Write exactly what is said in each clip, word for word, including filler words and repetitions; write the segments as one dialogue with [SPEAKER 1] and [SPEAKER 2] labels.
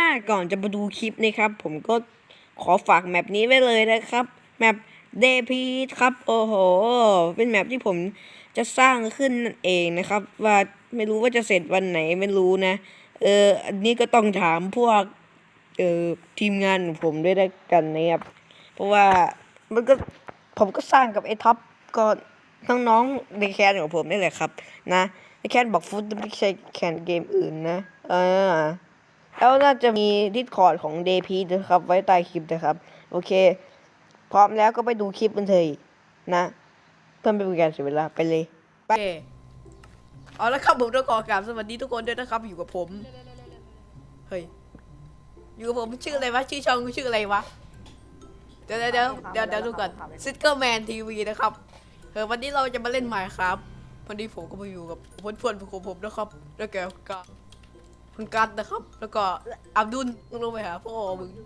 [SPEAKER 1] ก่อนจะมาดูคลิปนะครับผมก็ขอฝากแมปนี้ไว้เลยนะครับแมปเดพีครับโอ้โหเป็นแมปที่ผมจะสร้างขึ้นนั่นเองนะครับว่าไม่รู้ว่าจะเสร็จวันไหนไม่รู้นะเอออันนี้ก็ต้องถามพวกเออทีมงานของผมด้วยแล้วกันนะครับเพราะว่ามันก็ผมก็สร้างกับไอ้ท็อปก็น้องๆในแคนของผมนี่แหละครับนะในแคนบอกฟุตไม่ใช่แคนเกมอื่นนะเออแล้วน่าจะมี Discord ของ เด พี นะครับไว้ใต้คลิปนะครับโอเคพร้อมแล้วก็ไปดูคลิปกันเลยนะเพื่อไม่เป็นการเสียเวลาไปเลยไปเอาละครับผมต้องขอกราบสวัสดีทุกคนด้วยนะครับอยู่กับผมเฮ้ยอยู่กับผมชื่ออะไรวะชื่อช่องชื่ออะไรวะเดี๋ยวเดี๋ยวเดี๋ยวเดี๋ยวเดี๋ยวดูก่อนซิสเกอร์แมนทีวีนะครับเออวันนี้เราจะมาเล่นใหม่ครับวันนี้ผมก็มาอยู่กับเพื่อนๆของผมนะครับแล้วแกก็คุณกัตนะครับแล้วก็อับดุลมึงลงไปหาพ่อมึง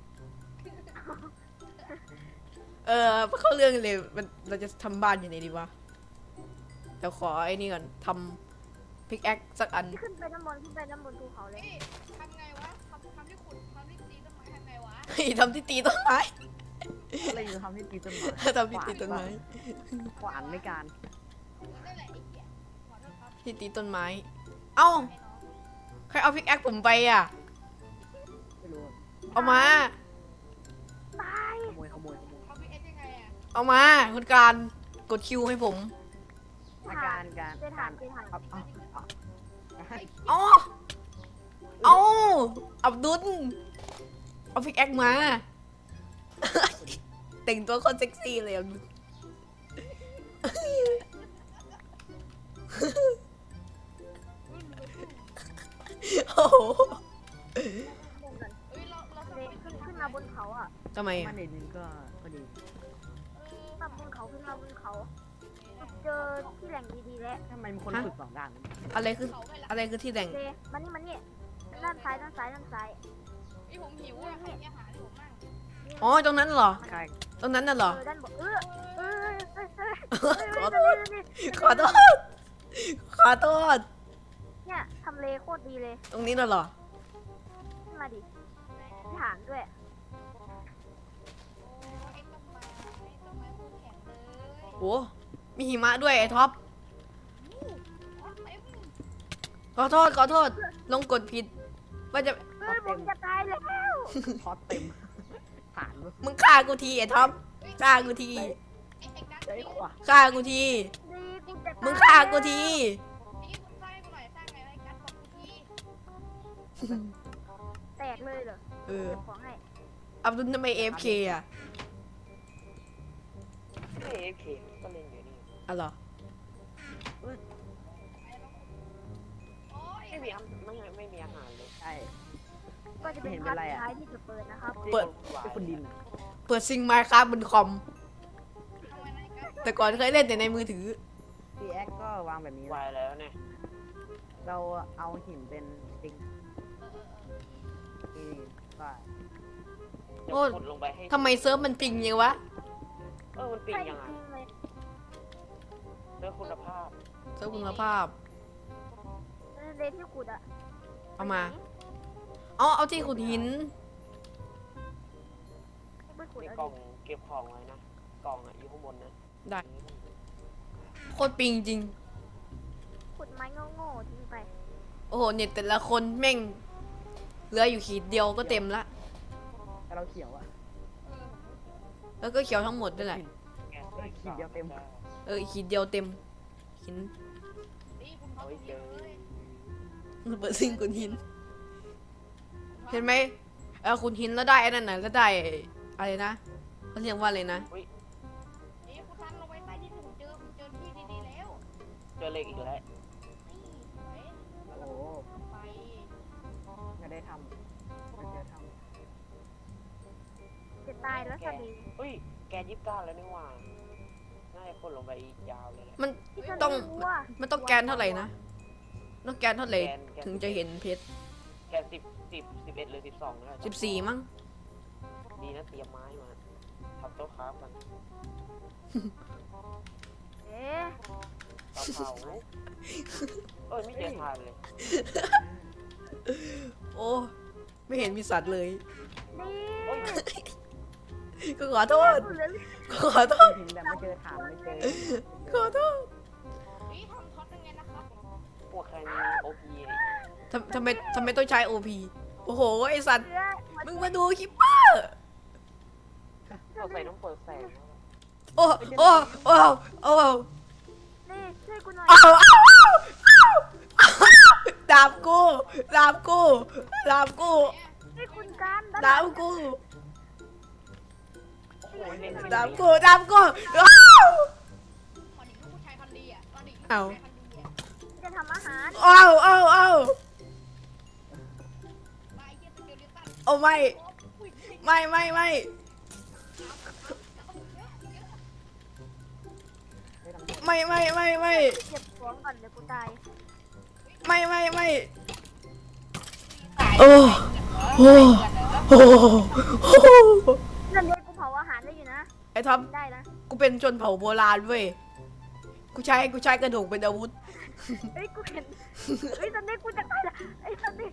[SPEAKER 1] เออเข้าเรื่องเลยมันเราจะทำบ้านยังไงดีวะเดี๋ยวขอไอ้นี่ก่อนทำพิกแอคสักอัน
[SPEAKER 2] ขึ้นไปน้ำบนขึ้นไปน้ำบนภูเขาเลย
[SPEAKER 3] ทำไงวะทำทำที่ขุดทำที่ตีต้นไม้ทำไงวะ
[SPEAKER 1] เฮ้ยทำที่ตีต้นไม้
[SPEAKER 4] อะไรอยู่ทำที่ตีต้นไม้
[SPEAKER 1] ทำที่ตีต้นไม้
[SPEAKER 4] ขวานในการ
[SPEAKER 3] นั่นแหละไอ้เหี้ยขอโทษครับ
[SPEAKER 1] ที่ตีต้นไม้เอ้า
[SPEAKER 3] ไอ้น้อง
[SPEAKER 1] ใครเอาพิกแอคผมไปอ่ะ
[SPEAKER 4] ไม่รู้
[SPEAKER 1] เอามา
[SPEAKER 2] ตาย
[SPEAKER 4] ขโมยขโมยขโมย
[SPEAKER 3] เขาพิเอสยังไงอะ
[SPEAKER 1] เอามาคุณการกดคิวให้ผม
[SPEAKER 4] อาการการ
[SPEAKER 2] เจฐานเจฐาน
[SPEAKER 4] ครับเอาเอา
[SPEAKER 1] เอาเอาอับดุลเอาพิกแอคมา แต่งตัวคนเซ็กซี่เลยอับดุลโอ้โห
[SPEAKER 2] เดินกัน
[SPEAKER 3] เอ้ยเราเราทำ
[SPEAKER 2] เล
[SPEAKER 3] ไม
[SPEAKER 2] ขึ้นขึ้นมาบนเขาอ่ะ
[SPEAKER 1] ทำไม
[SPEAKER 4] มั
[SPEAKER 1] อ่ะ
[SPEAKER 4] นเด็ดนึงก็ก็ดี
[SPEAKER 2] มาบนเขาขึ้นมาบนเขา เจอที่แหล่งดีๆแล้ว
[SPEAKER 4] ทำไมมีคนฝึกสองด้าน
[SPEAKER 1] อะไรคือ
[SPEAKER 3] เขาไปละ
[SPEAKER 1] อะไรคือที่แต่ง
[SPEAKER 2] เจมันนี่มันนี่ด้านซ้ายด้านซ้ายด้านซ้าย
[SPEAKER 3] ไอ้ผมหิวอะใครมีอาหารให้ผมมั่ง
[SPEAKER 1] อ๋อตรงนั้นเหรอ
[SPEAKER 4] ใช่
[SPEAKER 1] ตรงนั้นน่ะเหรอ
[SPEAKER 2] เออด้านบนเออเออเออเออ
[SPEAKER 1] ขอโทษ
[SPEAKER 2] นี่
[SPEAKER 1] ขอโทษ ขอโทษ
[SPEAKER 2] เนี่ยทำเลโคตรดีเลย
[SPEAKER 1] ตรงนี้น่ะเหรอ
[SPEAKER 2] ขึ้นมาดิที่ฐานด้วย
[SPEAKER 3] โอ้ไอ้ต้นไม้ต้นไม้พูดแข็งเลย
[SPEAKER 1] โห มีหิมะด้วยไอ้ท็อป
[SPEAKER 3] อ๋อเต็ม
[SPEAKER 1] ขอโทษ ขอโทษ ลงกดผิด ว่าจะ
[SPEAKER 2] เฮ้ยผมจะตายแล้ว
[SPEAKER 4] พอเต็มฐาน
[SPEAKER 1] มึงฆ่ากูทีไอ้ท็อปฆ่ากูที
[SPEAKER 3] ไอ้ไอ้กั๊ก
[SPEAKER 4] ได้
[SPEAKER 3] นี่
[SPEAKER 4] ขวา
[SPEAKER 1] ฆ่ากูที
[SPEAKER 2] ดีกูจะตาย
[SPEAKER 1] มึงฆ่ากูที
[SPEAKER 3] นี่คุณสร้างให้กูหน่อยสร้างไงไอ้กั๊กบอกกูที
[SPEAKER 2] แตกเลยเหรอ
[SPEAKER 1] เออ
[SPEAKER 2] เก็บของให้
[SPEAKER 1] อับดุลทำไมเอฟเคอ่ะ
[SPEAKER 4] เอฟเคก็เล่นอยู่นี่
[SPEAKER 1] อ๋อเหรอ
[SPEAKER 3] โอ้ย
[SPEAKER 5] ไม่มีอาไม่ไม่มีอาหารเลย
[SPEAKER 4] ใช่
[SPEAKER 2] ก็จะเป็น
[SPEAKER 4] เห็น
[SPEAKER 2] พา
[SPEAKER 4] เป็น
[SPEAKER 2] ร์ท
[SPEAKER 4] ไร
[SPEAKER 2] สุด
[SPEAKER 4] อะ
[SPEAKER 2] ท้ายที่จะเปิดนะครับ
[SPEAKER 1] เปิด
[SPEAKER 4] เป็นคนดิน
[SPEAKER 1] เปิดซิงมาครับบนคอม
[SPEAKER 3] ทำไมนะไอ้กั๊ก
[SPEAKER 1] แต่ก่อนเคยเล่นแต่ในมือถือ
[SPEAKER 4] พีแอคก็วางแบบนี้
[SPEAKER 5] วายแล้วเนี่ย
[SPEAKER 4] เราเอาหินเป็นปิง
[SPEAKER 3] เออเออเออ
[SPEAKER 4] นี่ก็
[SPEAKER 5] จะ
[SPEAKER 1] โอ้
[SPEAKER 5] ขุดลงไปให้
[SPEAKER 1] ทำไมเซิร์ฟมันปิงยังวะ
[SPEAKER 5] เออมันปิง
[SPEAKER 2] ใช่จ
[SPEAKER 5] ยังไง
[SPEAKER 2] ริงๆเลย
[SPEAKER 5] เรื่องคุณภาพ
[SPEAKER 1] เซิร์ฟคุณภาพ
[SPEAKER 2] เลนที่ขุดอะ
[SPEAKER 1] เอามา เอาเอาที่ขุดหิน
[SPEAKER 2] ไปขุด
[SPEAKER 5] ใน
[SPEAKER 2] เอา
[SPEAKER 5] กล่อง
[SPEAKER 2] ดิ
[SPEAKER 5] เก็บของไว้นะกล่องอ่ะอยู่ข้างบนนะ
[SPEAKER 1] ได้ โคตรปิงจริง
[SPEAKER 2] ขุดไม้โง่ๆทิ้งไป
[SPEAKER 1] โอ้โห เน็ตแต่ละคนแม่งเหลืออยู่ขีดเดียวก็เต็มละ
[SPEAKER 4] แต่เราเขียวอะ
[SPEAKER 3] เออ
[SPEAKER 1] แล้วก็เขียวทั้งหมดด้วยแหละ
[SPEAKER 5] แก
[SPEAKER 4] เออขีดเดียวเต็ม
[SPEAKER 1] เอออีกขีดเดียวเต็มหิน
[SPEAKER 3] นี่คุณเขาเยอะเลย
[SPEAKER 1] เปิดซิงขุดหิน เห็นไหมเออขุดหินแล้วได้ไอ้นั่นน่ะแล้วได้อะไรนะเขาเรียกว่าอะไรนะ
[SPEAKER 3] นี่คุณทันเราไว้ใต้ที่ผมเจอผมเจอที่ดีๆแล้ว
[SPEAKER 5] เจอเหล็กอีกแล้ว
[SPEAKER 3] นี่สวย
[SPEAKER 4] โอ้โห
[SPEAKER 3] ไป
[SPEAKER 4] จะได้ทำจะได้ท
[SPEAKER 2] จะตายแล้วสดี
[SPEAKER 5] อุ้ยแกยิบก้าแล้วนี่หว่าน่าจะคนลงไปอีกยาวเลยแหละ
[SPEAKER 1] มัน
[SPEAKER 2] ที่ทะเล
[SPEAKER 1] ต้อง
[SPEAKER 2] วัว
[SPEAKER 1] มันต้องแกนเท่าไหร่นะต้องแกนเท่าไหร่ถึงจะเห็นเพชร
[SPEAKER 5] แกสิบสิบสิบเอ็ดหรือสิบสองนะ
[SPEAKER 1] สิบสี่มั้ง
[SPEAKER 5] ดีนะเตรียมไม้มาทำโต๊ะคราฟกัน
[SPEAKER 2] เอ๊ะ
[SPEAKER 5] เตาเผาเอ้ยไม่เจอทานเลย
[SPEAKER 1] โอ้ไม่เห็นมีสัตว์เลย
[SPEAKER 2] นี่
[SPEAKER 1] ก็ขอโทษ
[SPEAKER 2] พูดเลย
[SPEAKER 1] ก็ขอโทษ
[SPEAKER 4] ถึงแต่ไม่เจอถามไม่เจอ
[SPEAKER 1] ขอโทษ
[SPEAKER 3] นี่ทำท็อตยังไงนะครับ
[SPEAKER 5] พวกใครมีโอพี
[SPEAKER 1] ทำทำไมทำไมต้องใช้โอพีโอ้โหไอสัตว์
[SPEAKER 2] เชื่อ
[SPEAKER 1] มึงมาดูคิปเปอร์
[SPEAKER 5] เราใส่ต้องเปิดแสง
[SPEAKER 1] โอ้โอ้โอ้โอ้
[SPEAKER 2] นี่ช่วยกูหน่อย
[SPEAKER 1] อ้าวอ้าวอ้าวดาบกูดาบกูดาบกู
[SPEAKER 2] นี่คุณการด้านห
[SPEAKER 1] ดา
[SPEAKER 2] ลั
[SPEAKER 1] บ
[SPEAKER 2] ง
[SPEAKER 1] กู
[SPEAKER 5] โอ้ยเล่น
[SPEAKER 1] ดาบกูดาบกูอ้าว
[SPEAKER 3] ตอนนี้ลูกผู้ชายพันดีอ่ะตอนนี้ลูก
[SPEAKER 1] เอา
[SPEAKER 3] ผู้ชายพันดีอ่ะ
[SPEAKER 2] จะทำอาหาร
[SPEAKER 1] อ้าวอ้าวอ้าว
[SPEAKER 3] ลายเยี่ยสเกลลิตัน
[SPEAKER 1] โอ้ไม่
[SPEAKER 3] โอ้อุ้ย
[SPEAKER 1] ไม่ไม่ไม่
[SPEAKER 4] ไม่ทำ
[SPEAKER 1] ไม่ไม่ไม่ไม่
[SPEAKER 2] เก็บของก่อนเดี๋ยวกูตาย
[SPEAKER 1] ไม่ไม่ไม่โอ้โอ้โอ้โอ้
[SPEAKER 2] นั่นเลยกูเผาอาหารได้อยู่นะ
[SPEAKER 1] ไอ้ท็อป
[SPEAKER 2] ได้นะ
[SPEAKER 1] กูเป็นชนเผ่าโบราณเว้ยกูใช้กูใช้กระดูกเป็นอาวุธ
[SPEAKER 2] เฮ้ยกูเห็นเฮ้ยตอนนี้กูจะตายละไอ้ตอนนี้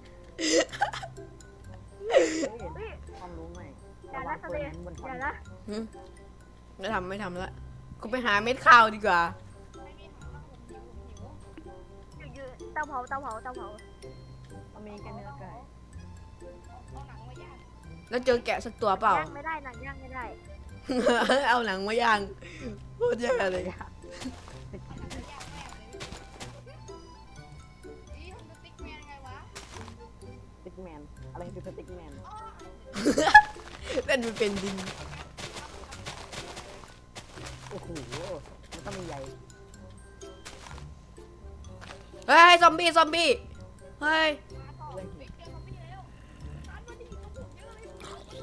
[SPEAKER 4] เฮ้ย
[SPEAKER 2] เฮ้ย
[SPEAKER 4] ความรู้ใหม่
[SPEAKER 2] อย่า
[SPEAKER 4] ระวั
[SPEAKER 2] นะ
[SPEAKER 4] ง
[SPEAKER 2] ต
[SPEAKER 4] ปื
[SPEAKER 2] อน
[SPEAKER 4] น
[SPEAKER 2] นี้
[SPEAKER 4] นั้นบน
[SPEAKER 2] อ
[SPEAKER 4] ท้อง
[SPEAKER 2] ย่านะ
[SPEAKER 1] หึไม่ทำไม่ทำละกูไปหาเม็ดข้าวดีกว่า
[SPEAKER 3] ไม่มีทางแล้วผมหิวผมหิว
[SPEAKER 2] อยู่ๆเตาเผาเตาเผาเตาเผา
[SPEAKER 4] มันมีแค่เนื้อไก่
[SPEAKER 3] เอาหนังมาย่าง
[SPEAKER 1] แล้วเจอแกะสักตัวเปล่า
[SPEAKER 2] ย่างไม่ได้หนังย่างไม่ได้
[SPEAKER 1] เอาหนังมาย่างโคตรแย่เลย
[SPEAKER 3] เอาหนังมาย่างแม่เลยนี่ทำสติ๊กแมนไงวะ
[SPEAKER 4] สติ๊กแมนอะไรคือสติ๊กแมน
[SPEAKER 3] อ๋อ
[SPEAKER 1] เล่นมันเป็นดิน
[SPEAKER 4] โอ้โหมันต้องมีใย
[SPEAKER 1] เฮ้ยซอมบี้ซอมบี้เฮ้ย
[SPEAKER 3] มาต่อเด็กเจอซอมบี้แล้วร้านมันดีกว่าผมเยอะเลย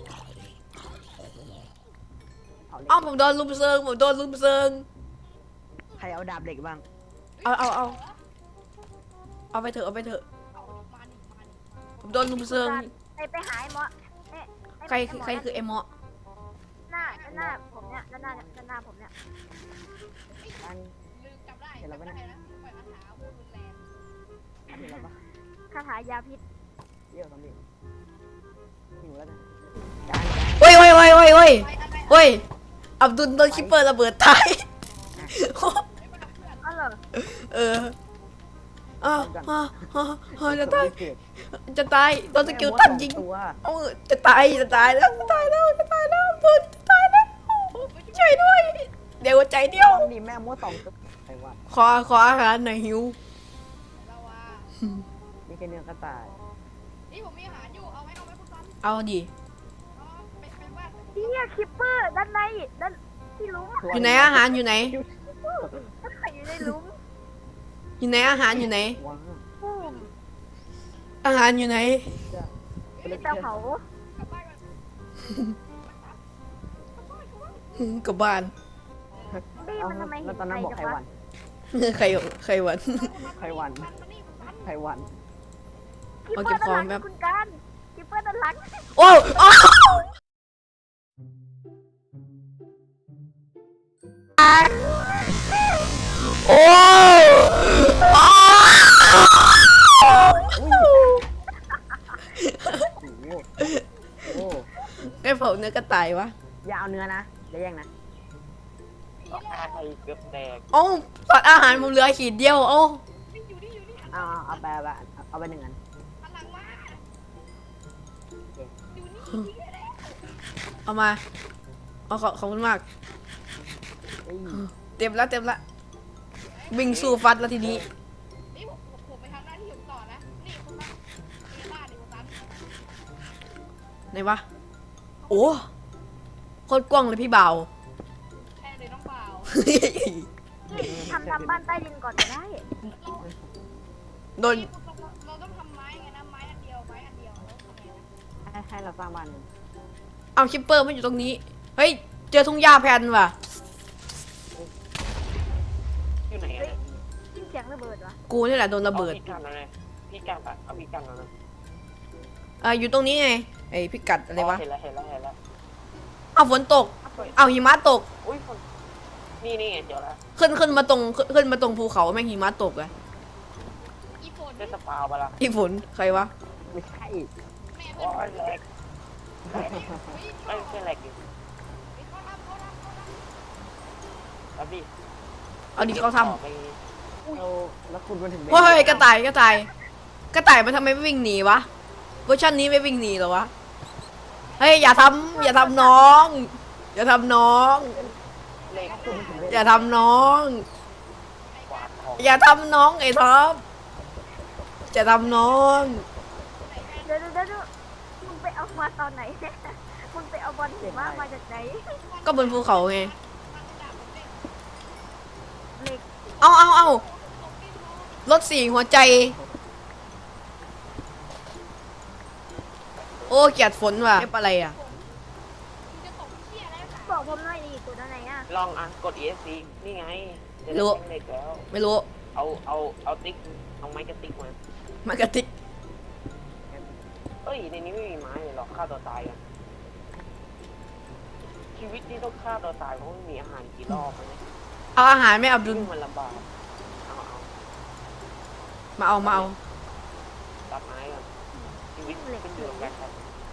[SPEAKER 4] เอาเหล็ก
[SPEAKER 1] เอ้าผมโดนลุมเซิงผมโดนลุมเซิง
[SPEAKER 4] ใครเอาดาบเหล็กบ้าง
[SPEAKER 1] เอาเอาเอาเอาไปเถอะเอาไปเถอะ
[SPEAKER 3] เอามาดิมาดิ
[SPEAKER 1] ผมโดนลุมเซิง
[SPEAKER 2] ไปไปหาไอ้หมอเอ๊ะไอ้
[SPEAKER 1] ใครคือใครคือไอ้หมอ
[SPEAKER 2] หน้าหน้าผมเนี่ยด้านหน้าด้านหน้าผมเนี่ย
[SPEAKER 4] อัน
[SPEAKER 3] ลืมจำได้จำได้แล้วปล่อยคาถาพูดรุนแรง
[SPEAKER 4] อันนี้แล้วปะ
[SPEAKER 2] คาถายาพิษ
[SPEAKER 4] เยอะสำเร็จหิวแล้วนะ
[SPEAKER 1] โอ้ยโอ้ยโอ้ยโอ้ยโอ้ย
[SPEAKER 3] ไปอะไร
[SPEAKER 1] โอ้ยอับดุลโดนคิปเปอร์ระเบิดตาย
[SPEAKER 3] ไม่เป็นไรเพื่อน
[SPEAKER 2] อ๋อเหรอ
[SPEAKER 1] เอออ้าวอ้าวอ้าวอ้าวจะตาย
[SPEAKER 4] เกิด
[SPEAKER 1] จะตายโดนสกิลตันยิง
[SPEAKER 4] ตัว
[SPEAKER 1] เอ้าจะตายจะตายแล้วจะตายแล้วจะตายแล้วโดนจะตายแล้วช่วยด้วย เดี๋ยวหัวใจเดียว
[SPEAKER 4] ดีแม่มั่วสองตัวใครว่า
[SPEAKER 1] ขอขออาหารหน่อยหิว
[SPEAKER 3] เราว่า
[SPEAKER 4] มีแค่เนื้อกระต่าย
[SPEAKER 3] นี่ผมมีอาหารอยู่เอาไหมเอาไหมคุณซัน
[SPEAKER 1] เอาดิ
[SPEAKER 3] เอาไปไปบ้าน
[SPEAKER 2] เฮียคิปเปอร์ด้านในด้านที่หลุม
[SPEAKER 1] อยู่ไหนอาหารอยู่ไหน
[SPEAKER 2] อยู่ในหลุม
[SPEAKER 1] อยู่ไหนอาหารอยู่ไหน
[SPEAKER 4] ว้าว
[SPEAKER 2] ปุ้ม
[SPEAKER 1] อาหารอยู่ไหน
[SPEAKER 2] นี่เตาเผาก
[SPEAKER 3] ลับบ้านก่อน
[SPEAKER 1] หืมกลับบ้าน
[SPEAKER 2] นี่มันทำไม
[SPEAKER 4] แล้
[SPEAKER 2] เห็
[SPEAKER 4] วน ตอน
[SPEAKER 2] ไฟ
[SPEAKER 4] นั้นบอก
[SPEAKER 2] จั
[SPEAKER 4] ใครง
[SPEAKER 2] วะ
[SPEAKER 4] วัน
[SPEAKER 1] ใครใครวัน
[SPEAKER 4] ใครวัน
[SPEAKER 3] มันนี่คุณซัน
[SPEAKER 4] ใครวัน
[SPEAKER 2] คิป
[SPEAKER 1] เอา
[SPEAKER 2] เปอ
[SPEAKER 1] เก็บ
[SPEAKER 2] ร์ด้านหลัง
[SPEAKER 1] ของแป๊บ
[SPEAKER 2] คุณการคิปเปอร์ด้านหลัง
[SPEAKER 1] โอ้โอ้โอ้โอ้
[SPEAKER 4] โอ้โห
[SPEAKER 1] ไอ้เผาเนื้อกระต่ายวะ
[SPEAKER 4] อย่าเอาเนื้อนะอย่าแย่งนะ
[SPEAKER 5] อาใครเกือบแตก
[SPEAKER 1] เอ้าตัดอาหารผมเหลือขีดเดียวเอ้า
[SPEAKER 3] นี่อยู่นี่อยู่นี่หัน
[SPEAKER 4] เอาเอาเอาไปเอาไปเอาไปหนึ่งอัน
[SPEAKER 3] หันหลังมาอยู่นี่ยิงเลย
[SPEAKER 1] เอามาเอาขอบขอบคุณมาก
[SPEAKER 4] เอ้ย
[SPEAKER 1] เต็มแล้วเต็มแล้ววิ่งสู้ฟัดแล้วทีนี้
[SPEAKER 3] นี่ผมผมไปทำหน้าที่ผมต่อนะนี่คุณซันนี่บ้านนี่คุณซัน
[SPEAKER 1] ไหนวะโอ้โคตรกว้างเลยพี่บ่าว
[SPEAKER 3] แค่เลยน้องเปล่า
[SPEAKER 2] ทำทำบ้านใต้ดินก่อนก็ได้
[SPEAKER 1] โดน
[SPEAKER 3] นี่คุณซันเราต้องทำไม้ไงนะไม้อันเดียวไม้อันเดียวแล้วทำไงนะ
[SPEAKER 4] ให้ให้เราสร้างบ้านหนึ่ง
[SPEAKER 1] เอาคิปเปอร์มันอยู่ตรงนี้เฮ้ยเจอทุ่งหญ้าแผ่นว่ะ
[SPEAKER 5] อยู่ไหนอะ
[SPEAKER 2] ยินเสียงระเบิดวะ
[SPEAKER 1] กูนี่แหละโดนระเบิด
[SPEAKER 5] อาพี่กันแล้วไงพี่กันอะเอาพี่กันแล้วนะ
[SPEAKER 1] เอออยู่ตรงนี้ไงไอพิกัดอะไรวะ
[SPEAKER 5] เห็นแล้วเห็นแล้วเห็นแล้ว
[SPEAKER 1] เอาฝนตกเอาหิมะตก
[SPEAKER 5] อุ้ยคนนี่นี่ไงเดี๋ยวละ
[SPEAKER 1] ขึ้นขึ้นมาตรงขึ้นขึ้นมาตรงภูเขาแม่งหิมะตกอะ
[SPEAKER 3] อีโฟน
[SPEAKER 5] ได้สปาวไปละ
[SPEAKER 1] อีฝนใครวะ
[SPEAKER 4] ไม่ใช่
[SPEAKER 3] แม่
[SPEAKER 5] โอ้
[SPEAKER 3] เพื่อน
[SPEAKER 5] ยแหลก
[SPEAKER 3] เฮ้ย
[SPEAKER 5] ไม่ใช่แหลกดิ
[SPEAKER 3] เขาทำเขาทำเขาทำ
[SPEAKER 5] ครับดิ
[SPEAKER 1] เอาดิเขาท
[SPEAKER 5] ต่อไป
[SPEAKER 4] เราแล้วคุณมาถึง
[SPEAKER 1] ำเฮ้ยกระต่ายกระต่ายกระต่ายมันทำไมไม่วิ่งหนีวะเวอร์ชันนี้ไม่วิ่งหนีเหรอวะเฮ้ยอย่าทำอย่าทำน้อง อย่าทำน้อง
[SPEAKER 5] เหล็ก
[SPEAKER 4] คุณมาถึงได้
[SPEAKER 1] อย่าทำน้อง
[SPEAKER 5] กวาดของ
[SPEAKER 1] อย่าทำน้องไอ้ท็อปอย่าทำน้อง
[SPEAKER 2] เดี๋ยวเดี๋ยวเดี๋ยวมึงไปเอามาตอนไหนเนี่ยมึงไปเอาบอลหิมะมาจากไหน
[SPEAKER 1] ก็บนภูเขาไง
[SPEAKER 2] เหล็ก
[SPEAKER 1] เอาเอาเอารถสี่หัวใจ โอ้เกลียดฝนว่ะเอฟอะไรอ่ะ
[SPEAKER 3] จะตกเชี่ยแล้วค่ะ
[SPEAKER 2] บอกผมหน่อยดิตัวนั้นไหนอ่ะ
[SPEAKER 5] ลองอ่ะกด อี เอส ซี นี่ไงจะได้
[SPEAKER 1] รู้
[SPEAKER 5] แท่งเหล็กแล้ว
[SPEAKER 1] ไม่รู้
[SPEAKER 5] เอาเอาเอาติ๊กเอาไม้กระติ๊กมาม
[SPEAKER 1] ากระติก
[SPEAKER 5] เอ้ยในนี้ไม่มีไม้เลยหรอกฆ่าตัวตายกันชีวิตนี้ต้องฆ่าตัวตายเพราะไม่มีอาหารกี่รอบนะ
[SPEAKER 1] เอาอาหารไม่อับดุล
[SPEAKER 5] ซึ่งมันลำบากเอาเอา
[SPEAKER 1] มาเอามาเอา
[SPEAKER 5] ตัดไม้ก่อนชีวิตเป็นอยู่กับการครับ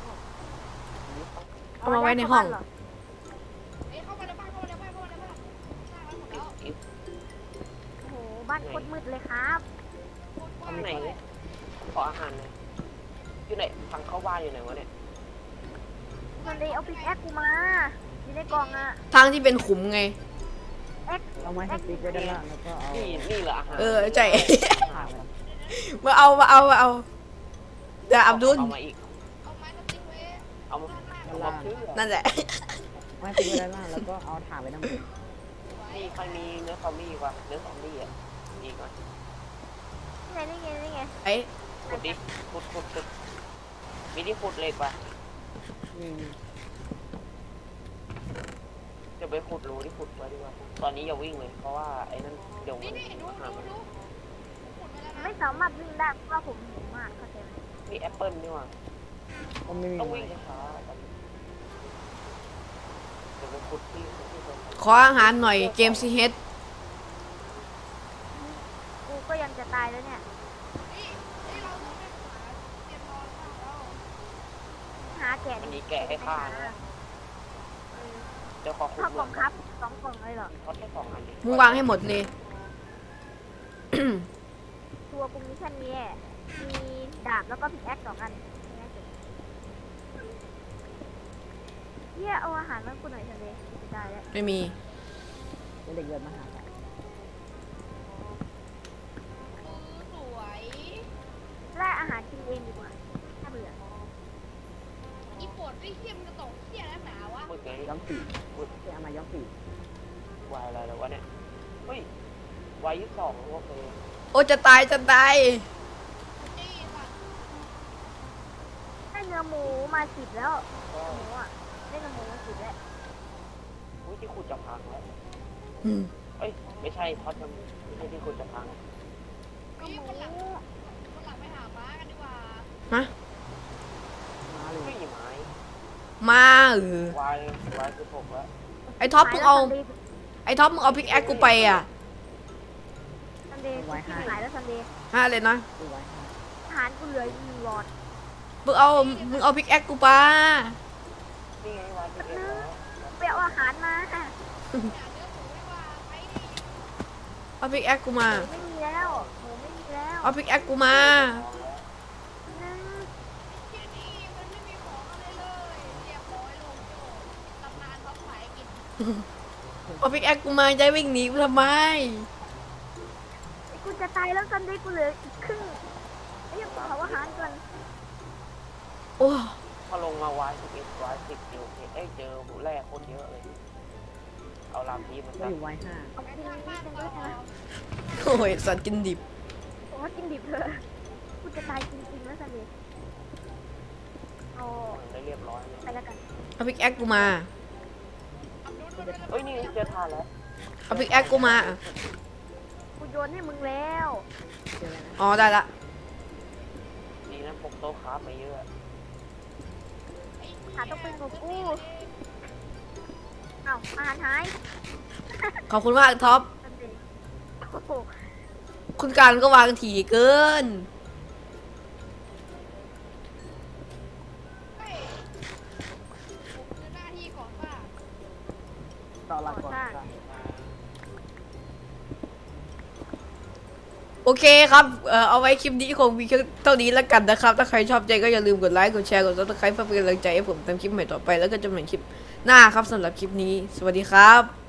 [SPEAKER 1] เอามาไว้ในห้อง
[SPEAKER 2] เา
[SPEAKER 3] เอ้ยเข้ามาในบ้านเข้ามาในบ้านเข้ามาในบ้านสร้างแล้วหมดแล้ว
[SPEAKER 5] อีก
[SPEAKER 2] โอ้โหบ้านโคตรมืดเลยครับ
[SPEAKER 3] โคตรกว้าง
[SPEAKER 5] ที่ไหน
[SPEAKER 3] เลย
[SPEAKER 5] ขออาหารหน่อยอยู่ไหนทางเข้าบ้านอยู่ไหนวะเนี่ย
[SPEAKER 2] มันเลยเอาปิกแอคกูมาอยู่ในกล่องอ่ะ
[SPEAKER 1] ทางที่เป็นขุมไง
[SPEAKER 4] เอาไม้สติ๊กไว้ด้านล่างแล้วก็เอา
[SPEAKER 5] นี่นี่เหรออาหาร
[SPEAKER 1] เออใจ
[SPEAKER 4] ถ่านมัน
[SPEAKER 1] มาเอามาเอามาเอาเดี๋ยวอับดุล
[SPEAKER 5] เอามาอีก
[SPEAKER 3] เอาไม้สติ๊กไว้
[SPEAKER 5] เอามา
[SPEAKER 3] ด้านล่าง
[SPEAKER 5] เอามาเพื่อ
[SPEAKER 1] นั่นแหละ
[SPEAKER 4] ไม้สติ๊กไว้ด้านล่างแล้วก็เอาถ่านไว้ด้านบน
[SPEAKER 5] นี่ใครมีเนื้อซอมบี้วะเนื้อซอมบี้อ่ะอีกก่อน
[SPEAKER 2] นี่ไงนี่ไงนี่ไง
[SPEAKER 1] ไอ้
[SPEAKER 5] ขุดดิขุดขุดขุดมีที่ขุดเหล็กปะ
[SPEAKER 4] นี่
[SPEAKER 5] จะไปขุดรูที่ขุดไว้ดีกว่าตอนนี้อย่าวิ่งเลยเพราะว่าไอ้นั่นเดี๋ยวมั
[SPEAKER 3] นี่
[SPEAKER 5] น
[SPEAKER 3] นี่ดู
[SPEAKER 5] หา
[SPEAKER 3] ดู
[SPEAKER 5] มัน
[SPEAKER 3] ดูขุดไปแล้วนะ
[SPEAKER 2] ไม่สามารถวิ่งได้เพราะว่าผมหิวมากเข้าใจไหม
[SPEAKER 5] มีแอปเปิลนี่หว่า
[SPEAKER 4] ก็ไม่มี
[SPEAKER 5] ต้อง
[SPEAKER 4] ไม้
[SPEAKER 5] วิ่งช้าๆกันเดี๋ยวไปขุดที่ขุดที่ตรงนั้น
[SPEAKER 1] ขออาหารหน่อยเกมซีเฮด
[SPEAKER 2] กูก็ยังจะตายแล้วเนี่ย
[SPEAKER 3] นี่นี่เราต้องไปหาเตรียมนอนข้าวแล้ว
[SPEAKER 2] หาแกะ
[SPEAKER 5] มันมีแกะให้ฆ่านะ
[SPEAKER 2] เออ
[SPEAKER 5] เดี๋ยวขอขุด
[SPEAKER 2] ข้าวกล่องครับสองกล่องเลยเหรอ
[SPEAKER 5] เขาแค่สองอันเอง
[SPEAKER 1] มึงวางให้หมดเลย
[SPEAKER 2] ตัวกูมีแค่นี้แหละมีดาบแล้วก็พิกแอคสองอันแค่นั้นเองเฮียเอาอาหารมาให้กูหน่อยเถอะเลยกูจะตายแล้ว
[SPEAKER 1] ไม่มี
[SPEAKER 4] แล้วเด็กเดินมาหากัน
[SPEAKER 3] มือสวย
[SPEAKER 2] ล่าอาหารกินเองดีกว่าถ้าเบื่อ
[SPEAKER 3] อีปวดไอ้เขี้ยมนจะตกเขี้ยแล้วหนาวะ
[SPEAKER 5] มึงไง
[SPEAKER 4] ย้อมสีที่เอามาย้อมสี
[SPEAKER 5] วายอะไรแล้ววะเนี่ยเฮ้ย วายยี่สิบสองโอเค
[SPEAKER 1] โอ้จะตายจะตาย
[SPEAKER 3] นี่สัตว์
[SPEAKER 2] ได้เนื้อหมูมาสิบแล้ว
[SPEAKER 5] ก็
[SPEAKER 2] หมูอ่ะได้เนื้อหมูมาสิบแล้ว
[SPEAKER 5] อุ้ยที่ขุดจะพังแล้ว
[SPEAKER 1] อืม
[SPEAKER 5] เอ้ย ไม่ใช่ท็อตจะไม่ใช่ที่ขุดจะพัง
[SPEAKER 3] นี่คนหลังคนหลังไปหาม้ากันดีกว่า
[SPEAKER 1] ฮะ
[SPEAKER 4] มาเลย
[SPEAKER 5] ไม่มีไม้
[SPEAKER 1] มาเออ
[SPEAKER 5] วายวายคือผมแล้ว
[SPEAKER 1] ไอ้ท็อปมึงเอา ไอ้ท็อปมึงเอาพิกแอคกูไปอ่ะ
[SPEAKER 2] ซันเดย์ซันเดย์กูหายแล้วซันเดย์
[SPEAKER 1] ฮะเลยนะ
[SPEAKER 4] ดูไว้ให้
[SPEAKER 2] อาหารกูเหลืออยู่หนึ่งหลอด
[SPEAKER 1] มึงเอา มึงเอาพิกแอคกูไป
[SPEAKER 5] นี่ไงวายคือเอ็แล้ว
[SPEAKER 2] ไปเอาอาหารมา
[SPEAKER 3] หาเนื้อหมูดีกว่าไปดิ
[SPEAKER 1] เอาพิกแอคกูมา
[SPEAKER 2] หมูไม่มีแล้วหมูไม่มีแล้ว
[SPEAKER 1] เอาพิกแอคกูมา
[SPEAKER 2] หนึ่ง
[SPEAKER 3] เขี้ยนี่มันไม่มีของอะไรเลยเรียบร้อยลงโจตำนานเขาขายกิน
[SPEAKER 1] เอาพิกแอคกูมาจะวิ่งหนีกูทำไม
[SPEAKER 2] กูจะตายแล้วซันเดย์กูเหลืออีกครึ่งไอ้ยังเผาอาหารก่อน
[SPEAKER 1] โอ้
[SPEAKER 5] พอลงมาวายสิบเอ็ดวายสิบเดียวเอ้ยเจอหูแร่โคตรเยอะเลย เอาลำนี้มัน
[SPEAKER 4] ก็
[SPEAKER 5] ซะ
[SPEAKER 4] อยู่ไว้ห้า
[SPEAKER 2] เอากินนิดนึงด้วยนะ
[SPEAKER 1] โอ้ยสัตว์กินดิบ
[SPEAKER 2] โอ้กินดิบเลยกูจะตายจริงๆแล้วซันเดย์เอา
[SPEAKER 5] ได้เรียบร้อยเลย
[SPEAKER 2] ไปแล้วกัน
[SPEAKER 1] เอาพิกแอคกูมา
[SPEAKER 5] เอ้ยนี่เจอทานแล้ว
[SPEAKER 1] เอาพิกแอคกูมา
[SPEAKER 2] กูโยนให้มึงแล้ว
[SPEAKER 4] เจอแล้วนะ
[SPEAKER 1] อ๋อได้ละ
[SPEAKER 5] ดีนะพกโต๊ะคราฟมาเยอะ
[SPEAKER 2] หาต้องเป็นของกูเอ้าอาหารหาย
[SPEAKER 1] ขอบคุณมากท็อป
[SPEAKER 2] ซันเดย์โอ้โห
[SPEAKER 1] คุณการก็วางถี่เกิน
[SPEAKER 4] ต่อหลักก่อน
[SPEAKER 2] ก่อสร้าง
[SPEAKER 4] ครับ
[SPEAKER 1] โอเคครับเอ่อเอาไว้คลิปนี้คงมีแค่เท่านี้แล้วกันนะครับ ถ้าใครชอบใจก็อย่าลืมกดไลค์ กดแชร์ กดซับสไครป์เพื่อเป็นกำลังใจให้ผมทำคลิปใหม่ต่อไป แล้วก็จะเหมือนคลิปหน้าครับสำหรับคลิปนี้ สวัสดีครับ